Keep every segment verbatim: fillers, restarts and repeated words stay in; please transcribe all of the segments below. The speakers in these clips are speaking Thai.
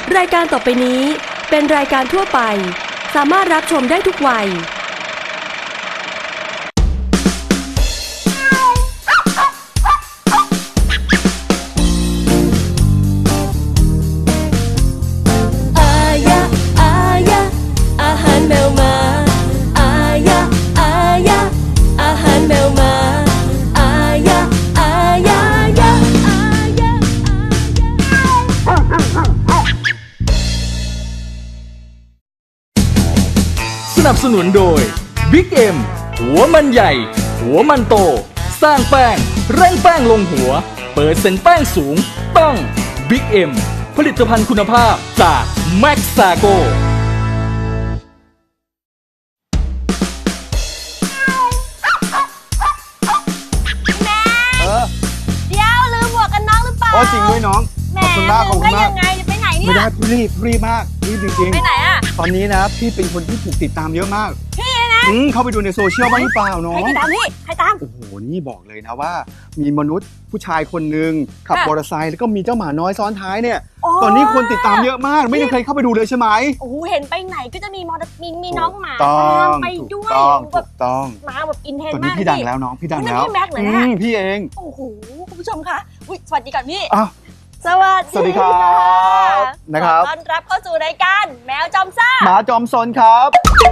รายการต่อไปนี้เป็นรายการทั่วไปสามารถรับชมได้ทุกวัยอายะอายะอาหารแมวมาอายะอายะอาหารแมวมาอายะอายะยะอายะสนับสนุนโดย บิ๊ก เอ็ม หัวมันใหญ่ หัวมันโต สร้างแป้งเร่งแป้งลงหัว เปิดเซ็นแป้งสูงต้อง บิ๊ก เอ็ม ผลิตภัณฑ์คุณภาพจากแม็กซาโกแม่เดี๋ยวลืมหมวกกันน็อกหรือเปล่าโอ้จริงด้วยน้องแหมขอบคุณมากขอบคุณได้มากยังไงจะไปไหนเนี่ยไม่ได้รีบรีบมากรีบจริงไปไหนอ่ะๆตอนนี้นะพี่เป็นคนที่ถูกติดตามเยอะมากพี่นะอืมเข้าไปดูในโซเชียลบ้างหรือเปล่าน้อใครง ติดตามพี่ใครตามโอ้โหนี่บอกเลยนะว่า มีมนุษย์ผู้ชายคนหนึ่งขับค่ะมอเตอร์ไซค์แล้วก็มีเจ้าหมาน้อยซ้อนท้ายเนี่ยโอ้ตอนนี้คนติดตามเยอะมากไม่ได้เคยเข้าไปดูเลยใช่ไหมโอ้โหเห็นไปไหนก็จะมีมอเตอร์มีมีน้องหมาถูกต้องตามไปถูด้กวยต้องแบถูบกต้องหมาแบบอินเทนตอนมานี้กพี่ดังแล้วน้องพี่ดังนั่นแล้วพี่แม็กซ์เหรออืเนี่ยมพี่เองโอ้โหคุณผู้ชมคะอุ๊ยสวัสดีก่อนพี่อ้าวสวัสดีสวัสดีครับนะครับขอต้อนรับเข้าสู่รายการแมวจอมซ่าหมาจอมซนครับ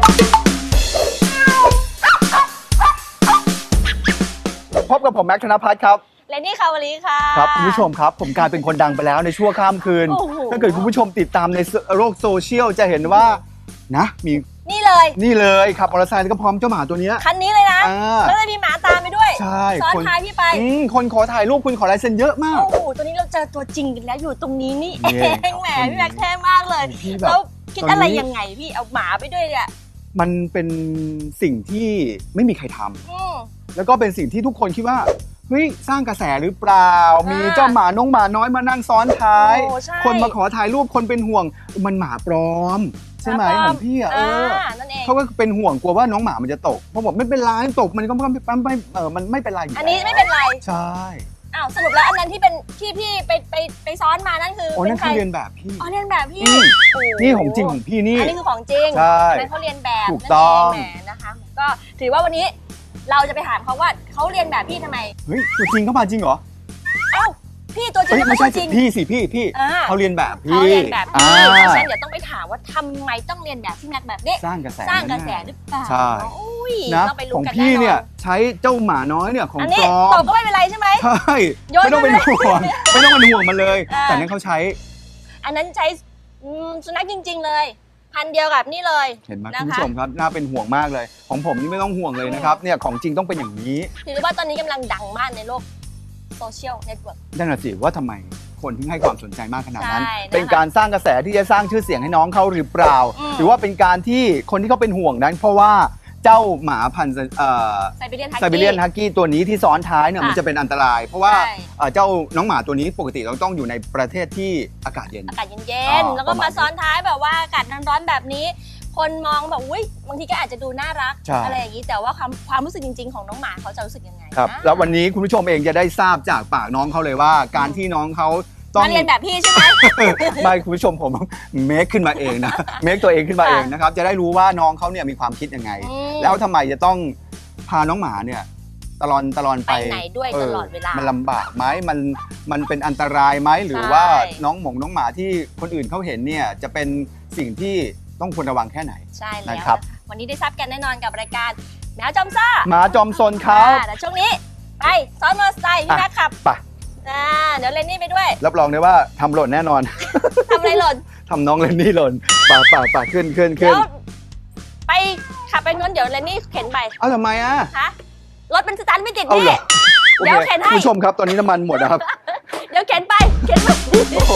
พบกับผมแม็กซ์ธนภัทรครับและนี่คาวลีค่ะครับคุณผู้ชมครับผมกลายเป็นคนดังไปแล้วในชั่วข้ามคืนโอ้โหถ้าเกิดคุณผู้ชมติดตามในโลกโซเชียลจะเห็นว่านะมีนี่เลยนี่เลยขับมอเตอร์ไซค์แล้วก็พร้อมเจ้าหมาตัวเนี้ยคันนี้เลยนะอ่าแล้วจะมีหมาตามไปด้วยใช่ซ้อนคนท้ายพี่ไปอืมคนขอถ่ายรูปคุณขอลายเซ็นเยอะมากโอ้โห ตัวนี้เราเจอตัวจริงกันแล้วอยู่ตรงนี้นี่เอเนี่ยงแหมพี่แม็กเท่มากเลยพี่แบบแล้วคิดตอนนี้อะไรยังไงพี่เอาหมาไปด้วยเนี่ยมันเป็นสิ่งที่ไม่มีใครทำอืมแล้วก็เป็นสิ่งที่ทุกคนคิดว่าเฮ้ยสร้างกระแสหรือเปล่าอ่ามีมีเจ้าหมาน้องหมาน้อยมานั่งซ้อนท้ายโอ้ใช่คนมาขอถ่ายรูปคนเป็นห่วงมันหมาปลอม ใช่ไหมหมาปลอมของพี่อ่ะเออนั่นเองเขาก็เป็นห่วงกลัวว่าน้องหมามันจะตกเพราะบอกไม่เป็นไรตกมันก็ไม่ไม่ไม่เออมันไม่เป็นไรยู่อันนี้ไม่เป็นไรใช่อ้าวสรุปแล้วอันนั้นที่เป็นที่พี่ไปไปไปซ้อนมานั่นคือโอ้เป็นั่นนใครคือเรียนแบบพี่อ๋อเรียนแบบพี่อืมโอ้โหนี่ของจริงของพี่นี่อันนี้คือของจริงใช่อันนั้นเขาเรียนแบบถูกต้องนั่นเแหมนะคะ ก็ถือว่าวันนี้เราจะไปถามเขาว่าเขาเรียนแบบพี่ทำไมเฮ้ยตัวจริงเข้ามาจริงเหรอเอ้าพี่ตัวจริงเฮ้ยแล้วไม่ก็ใช่ตัวจริงพี่สิพี่พี่อ่าเขาเรียนแบบพี่เขาเรียนแบบอ่าพี่เพราะฉะนั้นเดี๋ยวต้องไปถามว่าทำไมต้องเรียนแบบพี่แม็กแบบนี้สร้างกระแสสร้างกระแสหรือเปล่าใช่อุ้ยนะต้องไปขรู้องกันพี่แน่นเนี่ยอนใช้เจ้าหมาน้อยเนี่ยของอันปนี้ลอตมกก็ไม่เป็นไรใช่ไหมใช่โยนไม่ต้องเป็นไปเลยห่วงไม่ต้องเป็นห่วงมันเลยอ่าแต่นั้นเขาใช้อันนั้นใช้อืมสุนัขจริง ๆ เลย พันธุ์เดียวกับนี่เลยเห็นไหมนะคะคุณผู้ชมครับน่าเป็นห่วงมากเลย ของผมนี่ไม่ต้องห่วงเลยนะครับเนี่ยของจริงต้องเป็นอย่างนี้ถือว่าตอนนี้กำลังดังมากในโลกโซเชียลเน็ตเวิร์กนั่นน่ะสิว่าทำไมคนถึงให้ความสนใจมากขนาดนั้นใช่นะคะเป็นการสร้างกระแสที่จะสร้างชื่อเสียงให้น้องเขาหรือเปล่าอืมหรือว่าเป็นการที่คนที่เขาเป็นห่วงนั้น เพราะว่าเจ้าหมาพันธุ์เอ่อไซบีเรียนฮักไซบีเรียนฮักกี้ตัวนี้ที่ซ้อนท้ายเนี่ยค่ะมันจะเป็นอันตราย เพราะว่าใช่เอ่อเจ้าน้องหมาตัวนี้ปกติเราต้องอยู่ในประเทศที่อากาศเย็นอากาศเย็อ๋นอๆ แล้วก็ประมามาณซ้อนท้ายแบบว่าอากาศร้อนๆแบบนี้ คนมองแบบอุ้ยบางทีก็อาจจะดูน่ารักใช่อะไรอย่างนี้ แต่ว่าความความรู้สึกจริง ๆ ของน้องหมาเขาจะรู้สึกยังไงครับนะแล้ววันนี้คุณผู้ชมเองจะได้ทราบจากปากน้องเขาเลยว่า การที่น้องเขาต้องมาเรียนแบบพี่ใช่ไหมไม่คุณผู้ชมผมเมคขึ้นมาเองนะ เมคตัวเองขึ้นมาเองนะครับจะได้รู้ว่าน้องเขาเนี่ยมีความคิดยังไงอืมแล้วทำไมจะต้องพาน้องหมาเนี่ยตลอนตลอนไปไปไหนด้วยตลอดเวลามันลำบากไหมมันมันเป็นอันตรายไหมหรือว่าน้องหมงน้องหมาที่คนอื่นเขาเห็นเนี่ยจะเป็นสิ่งที่ต้องควรระวังแค่ไหนใช่แล้วนะนะครัคะบวันนี้ได้ทราบกันแน่นอนกับรายการแมวจอมซ่าหมาจอมซนเขาอ่าแต่ช่วงนี้ไปซ้อนมอเตอร์ไซค์พี่อ่ะแม็กขับไปอ่าเดี๋ยวเลนนี่ไปด้วยรับรองได้ว่าทำหล่นแน่นอนทำอะไรหล่นทำน้องเลนนี่หล่นป่าป่าป่าขึ้นขึ้นขึ้เดี๋นยวไปขับไปนู้นเดี๋ยวเลนนี่เข็นไปเอาทำไมอ่ะฮะรถมันสตาร์ทไม่ติดเอานี่เหรอโอเดี๋ยวเคเข็นให้คุณผู้ชมครับตอนนี้น้ำมันหมดนะครับเดี๋ยวเข็นไปเข็นไปโอ้โห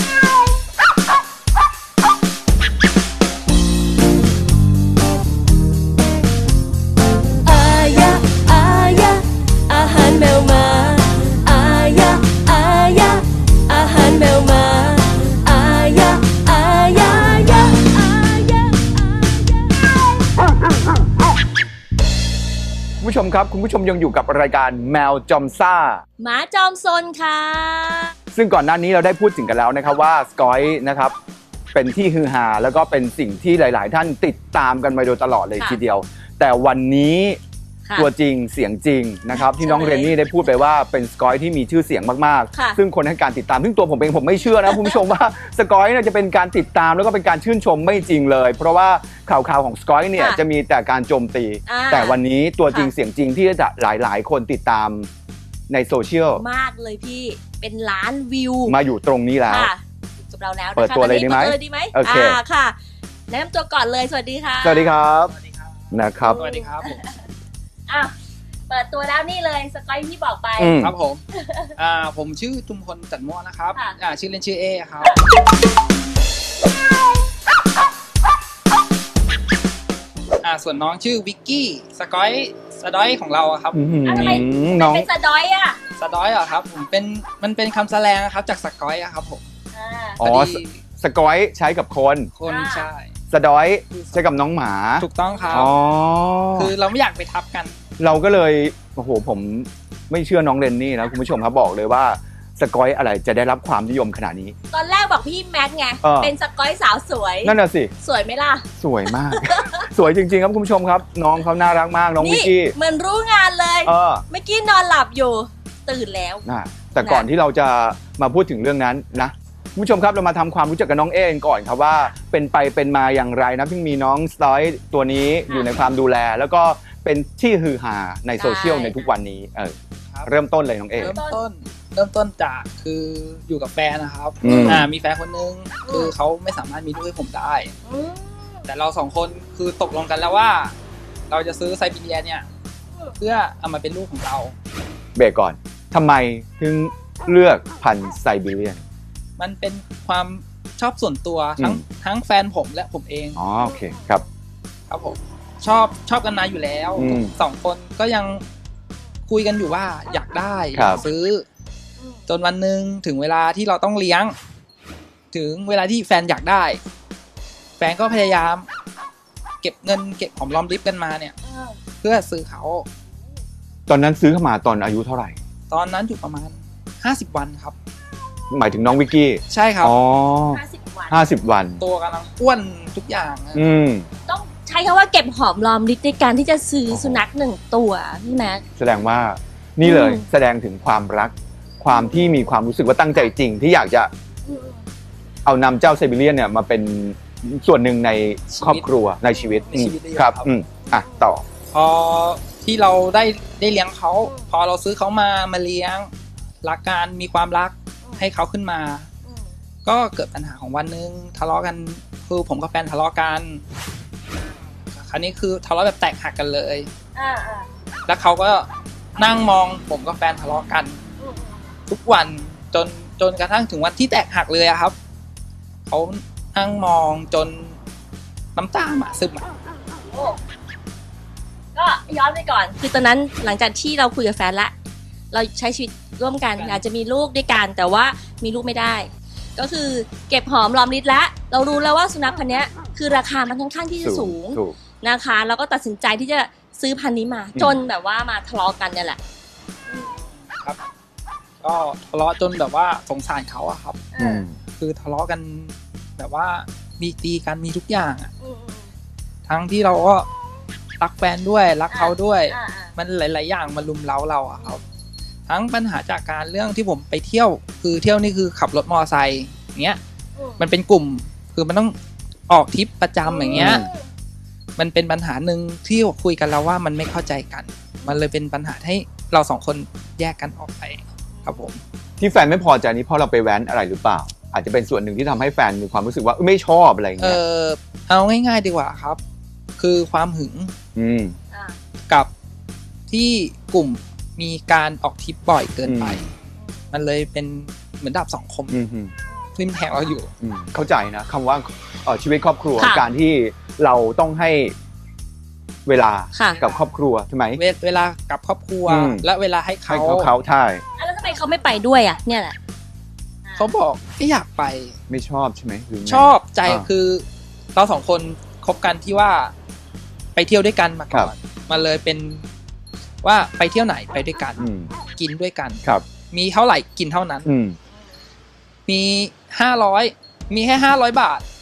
อายะอายะอาหารแมวมาอายะอายะอาหารแมวมาอายะอายะยะอายะคุณผู้ชมครับคุณผู้ชมยังอยู่กับรายการแมวจอมซ่าหมาจอมซนค่ะซึ่งก่อนหน้านี้เราได้พูดถึงกันแล้วนะครับว่าสกอยนะครับเป็นที่ฮือฮาแล้วก็เป็นสิ่งที่หลาย ๆ ท่านติดตามกันมาโดยตลอดเลยค่ะทีเดียว แต่วันนี้ค่ะตัวจริงเสียงจริงนะครับที่น้องใช่เรนนี่ได้พูดไปว่าเป็นสกอยที่มีชื่อเสียงมากค่ะๆ ซึ่งคนให้การติดตามซึ่งตัวผมเองผมไม่เชื่อนะ คุณผู้ชมว่าสกอยเนี่ยจะเป็นการติดตามแล้วก็เป็นการชื่นชมไม่จริงเลย เพราะว่าข่าวๆของสกอยเนี่ยค่ะจะมีแต่การโจมตีอ่าแต่วันนี้ตัวจริงค่ะเสียงจริงที่จะหลายๆ คนติดตามในโซเชียลมากเลยพี่เป็นล้านวิวมาอยู่ตรงนี้แล้วค่ะกับเราแล้วนะคะเปิดตัวเลยดีไหมตอนนี้เปิดตัวเลยดีไหมโอเคาค่ะแนะนำตัวก่อนเลยสวัสดีค่ะสวัสดีครับสวัสดีครับนะครับสวัสดีครับผมอ่ะเปิดตัวแล้วนี่เลยสกอยที่บอกไปอืมครับผมอ่าผมชื่อจุมพลจันทร์ม่วงนะครับค่ะอ่าชื่อเล่นชื่อเอครับอ่าส่วนน้องชื่อวิกกี้สกอยสะดอยของเราอะครับอื้อหือทำไมน้องเป็นสะดอยอ่ะสะดอยเหรอครับผมเป็นมันเป็นคำแสลงนะครับจากสกอยอะครับผมอ่าอ๋อพดีสกอยใช้กับคนคนอ่าใช่สะดอยใช้กับน้องหมาถูกต้องครับอ๋อคือเราไม่อยากไปทับกันเราก็เลยโอ้โหผมไม่เชื่อน้องเรนนี่นะคุณผู้ชมครับบอกเลยว่าสกอยอะไรจะได้รับความนิยมขนาดนี้ตอนแรกบอกพี่แม็กซ์ไงเออเป็นสกอยสาวสวยนั่นน่ะสิสวยไหมล่ะสวยมาก สวยจริงๆครับคุณผู้ชมครับ น้องเขาน่ารักมากน้องวินี่กกี้เหมือนรู้งานเลยเออเมื่อกี้นอนหลับอยู่ ตื่นแล้วนะแต่ก่อนที่เราจะมาพูดถึงเรื่องนั้นนะคุณผู้ชมครับเรามาทำความรู้จักกับน้องเอกันก่อนครับว่าเป็นไปเป็นมาอย่างไรนะที่มีน้องสไตล์ตัวนี้อยู่ในความดูแล แล้วก็เป็นที่ฮือฮาในโซเชียลใช่ในทุกวันนี้เออครับเริ่มต้นเลยน้องเอเริ่มต้นเริ่มต้นจากคืออยู่กับแฟนนะครับอืมอ่ามีแฟนคนนึงคือเขาไม่สามารถมีลูกให้ผมได้อืมแต่เราสองคนคือตกลงกันแล้วว่า เราจะซื้อไซบีเรียเนี่ย เพื่อเอามาเป็นลูกของเราเบรกก่อนทำไมถึงเลือกพันธุ์ไซบีเรียนมันเป็นความชอบส่วนตัวทั้งอืมทั้งแฟนผมและผมเองอ๋อโอเคครับครับผมชอบชอบกันมาอยู่แล้วอืมสองคนก็ยังคุยกันอยู่ว่าอยากได้อครัยาบกซื้อ จนวันหนึ่งถึงเวลาที่เราต้องเลี้ยง ถึงเวลาที่แฟนอยากได้ แฟนก็พยายาม เก็บเงินเก็บหอมรอมริบกันมาเนี่ยเออเพื่อซื้อเขาตอนนั้นซื้อเข้ามาตอนอายุเท่าไหร่ตอนนั้นอยู่ประมาณห้าสิบวันครับหมายถึงน้องวิกกี้ใช่ครับอ๋อห้าสิบวันห้าสิบวันตัวกำลังอ้วนทุกอย่างอะอืมต้องใช้คำว่าเก็บหอมรอมริบในการที่จะซื้อโอ้โหสุนัขหนึ่งตัวพี่แม็กแสดงว่านี่เลยอืมแสดงถึงความรัก ความที่มีความรู้สึกว่าตั้งใจจริง ที่อยากจะเอานำเจ้าไซบีเรียนเนี่ยมาเป็นส่วนหนึ่งในครอบครัวในชีวิตในชีวิตอืมเลยครับครับอืมอ่ะต่อพอที่เราได้ได้เลี้ยงเขา พอเราซื้อเขามามาเลี้ยงรักกันมีความรักให้เขาขึ้นมา ก็เกิดปัญหาของวันหนึงทะเลาะกันคือผมกับแฟนทะเลาะกันคราวนี้คือทะเลาะแบบแตกหักกันเลยอ่าอ่าแล้วเขาก็นั่งมองผมกับแฟนทะเลาะกันอืมทุกวันจนจนกระทั่งถึงวันที่แตกหักเลยอะครับเขานั่งมองจนน้ำตาหมาซึมอะโอ้ก็ย้อนไปก่อน คือตอนนั้นหลังจากที่เราคุยกับแฟนละ เราใช้ชีวิตร่วมกันอยากจะมีลูกด้วยกัน แต่ว่ามีลูกไม่ได้ ก็คือเก็บหอมรอมริบแล้ว เรารู้แล้วว่าสุนัขพันธุ์เนี้ยคือราคามันค่อนข้างที่จะสูงถูกนะคะ แล้วก็ตัดสินใจที่จะซื้อพันธุ์นี้มาอืมจนแบบว่ามาทะเลาะกันเนี่ยแหละครับก็ทะเลาะจนแบบว่าสงสารเขาอะครับอืมคือทะเลาะกันแบบว่ามีตีกันมีทุกอย่างอะอืมอืมทั้งที่เราก็รักแฟนด้วยรักเขาด้วยอ่าอ่ามันหลาย ๆ อย่างมาลุมเล้าเราอะครับ ทั้งปัญหาจากการเรื่องที่ผมไปเที่ยว คือเที่ยวนี่คือขับรถมอเตอร์ไซค์อย่างเงี้ยอืมมันเป็นกลุ่ม คือมันต้องออกทริปประจำอย่างเงี้ย มันเป็นปัญหาหนึ่งที่คุยกันแล้วว่ามันไม่เข้าใจกัน มันเลยเป็นปัญหาให้เราสองคนแยกกันออกไปครับผมที่แฟนไม่พอใจนี้เพราะเราไปแว้นอะไรหรือเปล่า อาจจะเป็นส่วนหนึ่งที่ทำให้แฟนมีความรู้สึกว่าเอ้ยไม่ชอบอะไรอย่างเอเงี้ยอเอาง่าย ๆ ดีกว่าครับ คือความหึงอืมอ่ากับที่กลุ่มมีการออกทริปบ่อยเกินไปอืมมันเลยเป็นเหมือนดาบสองคมอืมอืมทิ่มแทงเราอยู่อืมเข้าใจนะคำว่าเอ่อชีวิตครอบครัวค่ะการที่เราต้องให้เวลาค่ะกับครอบครัวใช่ไหมเวเวลากับครอบครัวอืมและเวลาให้ให้เขาเขาเขาใช่อ่ะแล้วทำไมเขาไม่ไปด้วยอ่ะ เนี่ยแหละเขาบอกไม่อยากไปไม่ชอบใช่ไหมหรือไงชอบใจอ่าคือเราสองคนคบกันที่ว่าไปเที่ยวด้วยกันมาก่อครันบมันเลยเป็นว่าไปเที่ยวไหนไปด้วยกันอืมกินด้วยกันครับมีเท่าไหร่กินเท่านั้นอืมมีห้าร้อยมีแค่ห้าร้อยบาท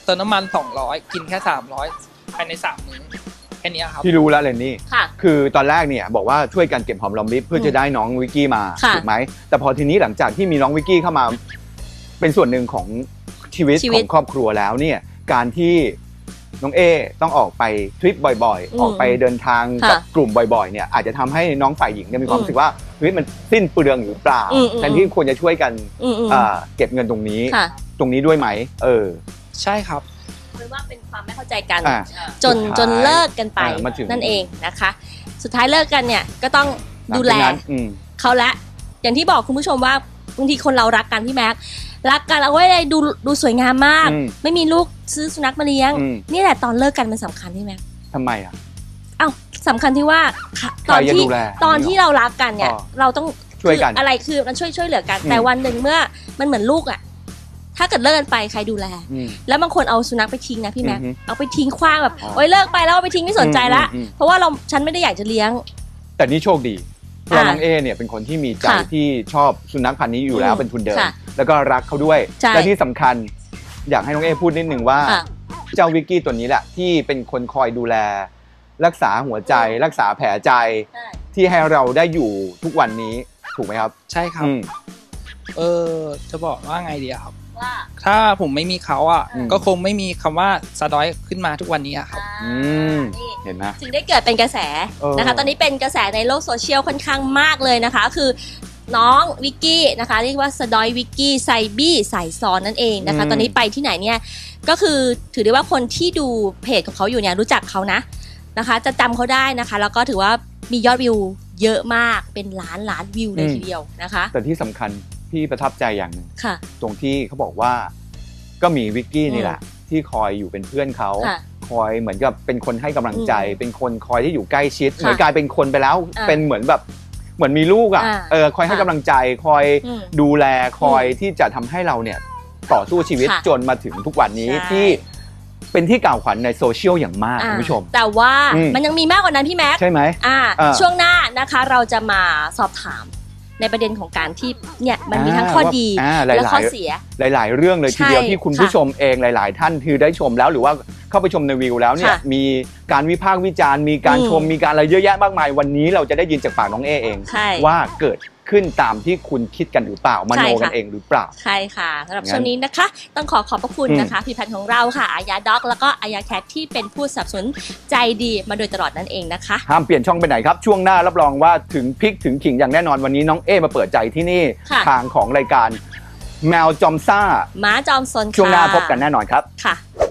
เติมน้ำมันสองร้อยกินแค่สามร้อยภายในสามมื้อแค่นี้ครับพี่รู้แล้วเลนนี่ค่ะคือตอนแรกเนี่ยบอกว่าช่วยกันเก็บหอมรอมริบเพื่อจะได้น้องวิกกี้มาค่ะถูกไหมแต่พอทีนี้หลังจากที่มีน้องวิกกี้เข้ามาเป็นส่วนหนึ่งของชีวิตชีขวิอตงครอบครัวแล้วเนี่ยการที่น้องเอต้องออกไปทริปบ่อยอืมๆ ออกไปเดินทางค่ะกับกลุ่มบ่อยๆเนี่ยอาจจะทำให้น้องฝ่ายหญิงเนี่ยมีความอืมรู้สึกว่าเฮ้ยมันสิ้นเปลืองหรือเปล่าอืมอืมแทนที่ควรจะช่วยกันอืมอืมอ่าเก็บเงินตรงนี้ค่ะตรงนี้ด้วยไหมเออใช่ครับหรือว่าเป็นความไม่เข้าใจกันอ่าจนสุดท้ายจนเลิกกันไปอ่ามาถึงนั่นเองนะคะ สุดท้ายเลิกกันเนี่ยก็ต้องหลังดูจากแลนั้นอืมเขาละอย่างที่บอกคุณผู้ชมว่าบางทีคนเรารักกันพี่แม็กรักกันเราก็ไม่ได้ดูดูสวยงามมากอืมไม่มีลูกซื้อสุนัขมาเลี้ยงอืมนี่แหละตอนเลิกกันมันสำคัญพี่แม็กทำไมอ่ะเอ้าสำคัญที่ว่าค่ะใคตรอนจะที่ดูแลตอนที่เรารักกันเนี่ยอ๋อเราต้องช่วยกันคืออะไรคือมันช่วยช่วยเหลือกันอืมแต่วันหนึ่งเมื่อมันเหมือนลูกอ่ะถ้าเกิดเลิกกันไปใครดูแลอืมแล้วบางคนเอาสุนัขไปทิ้งนะพี่แม็กอือฮึเอาไปทิ้งขว้างแบบอ๋อโอ๊ยเลิกไปแล้วเอาไปทิ้งไม่สนใจละอืมอืมอืมเพราะว่าเราฉันไม่ได้อยากจะเลี้ยงแต่นี่โชคดีเพราะอ่าน้องเอเนี่ยเป็นคนที่มีใจค่ะที่ชอบสุนัขพันธุ์นี้อยู่แล้วอืมเป็นทุนเดิมค่ะแล้วก็รักเขาด้วยใช่และที่สำคัญ อยากให้น้องเอพูดนิดนึงว่าอ่ะเจ้าวิกกี้ตัวนี้แหละที่เป็นคนคอยดูแล รักษาหัวใจ รักษาแผลใจใช่ที่ให้เราได้อยู่ทุกวันนี้ถูกไหมครับใช่ครับอืมเออจะบอกว่าไงดีอะครับว่าถ้าผมไม่มีเขาอ่ะอืมก็คงไม่มีคำว่าสะดอยขึ้นมาทุกวันนี้อะครับอืมนี่เห็นไหมถึงได้เกิดเป็นกระแสเออนะคะ ตอนนี้เป็นกระแสในโลกโซเชียลค่อนข้างมากเลยนะคะ คือน้องวิกกี้นะคะเรียกว่าสดอยวิกกี้ไซบี้สายซ้อนนั่นเองนะคะ ตอนนี้ไปที่ไหนเนี่ยก็คือถือได้ว่าคนที่ดูเพจของเขาอยู่เนี่ยรู้จักเขานะนะคะ จะจำเขาได้นะคะ แล้วก็ถือว่ามียอดวิวเยอะมากเป็นล้านล้านวิวเลยทีเดียวนะคะแต่ที่สำคัญพี่ประทับใจอย่างหนึ่งค่ะตรงที่เขาบอกว่าก็มีวิกกี้นี่แหละที่คอยอยู่เป็นเพื่อนเขาค่ะคอยเหมือนกับเป็นคนให้กำลังใจอืมเป็นคนคอยที่อยู่ใกล้ชิดค่ะเหมือนกลายเป็นคนไปแล้วอ่าเป็นเหมือนแบบเหมือนมีลูกอ่ะอ่าเออคอยให้ค่ะกำลังใจ คอยอืมดูแลคอยอืมที่จะทำให้เราเนี่ยต่อสู้ชีวิตค่ะจนมาถึงทุกวันนี้ใช่ที่เป็นที่กล่าวขวัญในโซเชียลอย่างมากอ่าคุณผู้ชมแต่ว่าอืมมันยังมีมากกว่านั้นพี่แม็กใช่ไหมอ่าอ่าช่วงหน้านะคะเราจะมาสอบถามในประเด็นของการที่เนี่ยมันมีทั้งข้อดีอ่าหลายๆและข้อเสียหลาย ๆ เรื่องเลยทีเดียวใช่ที่คุณผู้ค่ะชมเองหลาย ๆ ท่านคือได้ชมแล้วหรือว่าเข้าไปชมในวิวแล้วเนี่ยค่ะมีการวิพากษ์วิจารณ์มีการอืมชมมีการอะไรเยอะแยะมากมายวันนี้เราจะได้ยินจากปากน้องเอเองใช่ว่าเกิดขึ้นตามที่คุณคิดกันหรือเปล่ามใช่โนค่ะกันเองหรือเปล่าใช่ค่ะสำหรับงั้นช่วงนี้นะคะ ต้องขอขอบพระคุณอืมนะคะผลิตภัณฑ์ของเราค่ะอายาด็อกแล้วก็อายาแคทที่เป็นผู้สนับสนุนใจดีมาโดยตลอดนั่นเองนะคะห้ามเปลี่ยนช่องไปไหนครับ ช่วงหน้ารับรองว่าถึงพริกถึงขิงอย่างแน่นอนวันนี้น้องเอมาเปิดใจที่นี่ค่ะทางของรายการแมวจอมซ่าม้าจอมซนค่ะช่วงหน้าพบกันแน่นอนครับค่ะ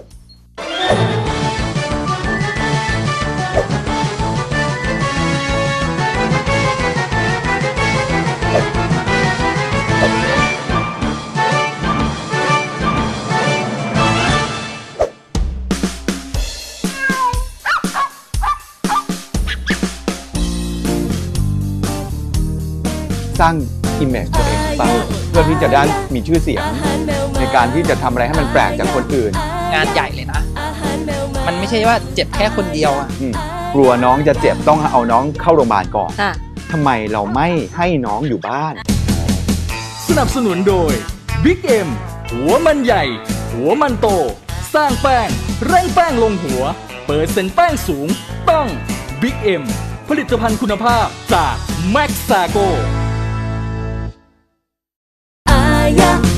สร้างอิมเมจตัวเองไปเพื่อที่จะได้มีชื่อเสียง ในการที่จะทำอะไรให้มันแปลกจากคนอื่นงานใหญ่เลยนะ มันไม่ใช่ว่าเจ็บแค่คนเดียวอะอืมกลัวน้องจะเจ็บต้องเอาน้องเข้าโรงพยาบาลก่อนค่ะทำไมเราไม่ให้น้องอยู่บ้านสนับสนุนโดย Big M หัวมันใหญ่ หัวมันโต สร้างแป้งเร่งแป้งลงหัว เปิดเซ็นต์แป้งสูง ต้อง Big M ผลิตภัณฑ์คุณภาพจาก Max Sago อายะ